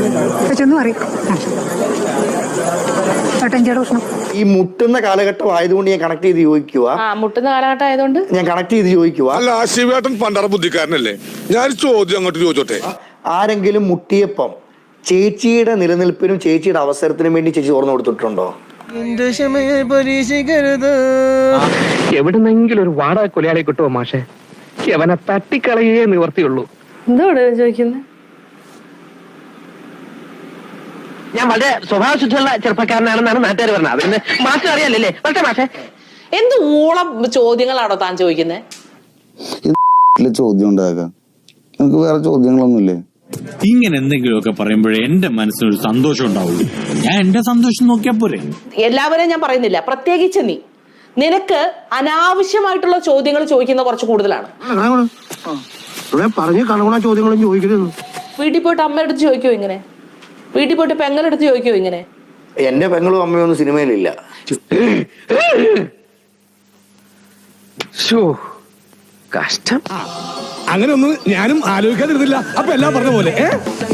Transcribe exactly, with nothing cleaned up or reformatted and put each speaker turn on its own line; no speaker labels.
ഈ മുട്ടുന്ന കാലഘട്ടം ആയതുകൊണ്ട് ഞാൻ കണക്ട് ചെയ്ത് ചോദിക്കുക
മുട്ടുന്ന കാലഘട്ടം ആയതുകൊണ്ട്
ഞാൻ കണക്ട് ചെയ്ത് ചോദിക്കുക
അല്ല ശിവേട്ടൻ പണ്ടറ ബുദ്ധിക്കാരനല്ലേ ഞാൻ ചോദ്യം അങ്ങോട്ട് ചോദിച്ചോട്ടെ.
ആരെങ്കിലും മുട്ടിയപ്പം ചേച്ചിയുടെ നിലനിൽപ്പിനും ചേച്ചിയുടെ അവസരത്തിനും വേണ്ടി ചേച്ചി തുറന്നു കൊടുത്തിട്ടുണ്ടോ?
എവിടുന്നെങ്കിലും ഒരു വാടക കൊലയാളെ കിട്ടുമോ മാഷെ? അവനെ തട്ടിക്കളയേ നിവർത്തിയുള്ളൂ.
എന്തോട് ചോദിക്കുന്നത്?
ഞാൻ വളരെ സ്വഭാവശുദ്ധിയുള്ള ചെറുപ്പക്കാരനാണെന്നാണ് നാട്ടുകാർ പറഞ്ഞത്. അതിന് മാഷ് അറിയാലല്ലേ പക്ഷേ മാഷെ
എന്ത് ഊളം ചോദ്യങ്ങളാണോ താൻ ചോദിക്കുന്നത്?
ചോദ്യം ഉണ്ടാകാം, നമുക്ക് വേറെ ചോദ്യങ്ങളൊന്നുമില്ലേ?
ഇങ്ങനെ എന്തെങ്കിലുമൊക്കെ പറയുമ്പോഴേ എന്റെ മനസ്സിനൊരു സന്തോഷം ഉണ്ടാവുള്ളൂ. ഞാൻ എന്റെ സന്തോഷം നോക്കിയാ പോരെ.
എല്ലാവരെയും ഞാൻ പറയുന്നില്ല, പ്രത്യേകിച്ച് നീ. നിനക്ക് അനാവശ്യമായിട്ടുള്ള ചോദ്യങ്ങൾ ചോദിക്കുന്ന കുറച്ച് കൂടുതലാണ്.
ചോദ്യങ്ങളും ചോദിക്കരുത്.
വീട്ടിൽ പോയിട്ട് അമ്മയുടെ അടുത്ത് ചോദിക്കോ ഇങ്ങനെ? വീട്ടിൽ പോയിട്ട് പെങ്ങളുടെ അടുത്ത് ചോദിക്കോ ഇങ്ങനെ?
എന്റെ പെങ്ങളും അമ്മയും ഒന്നും സിനിമയിലില്ല.
കഷ്ടം.
അങ്ങനെ ഒന്നും ഞാനും ആലോചിക്കാതിരുന്നില്ല. അപ്പൊ എല്ലാം പറഞ്ഞ പോലെ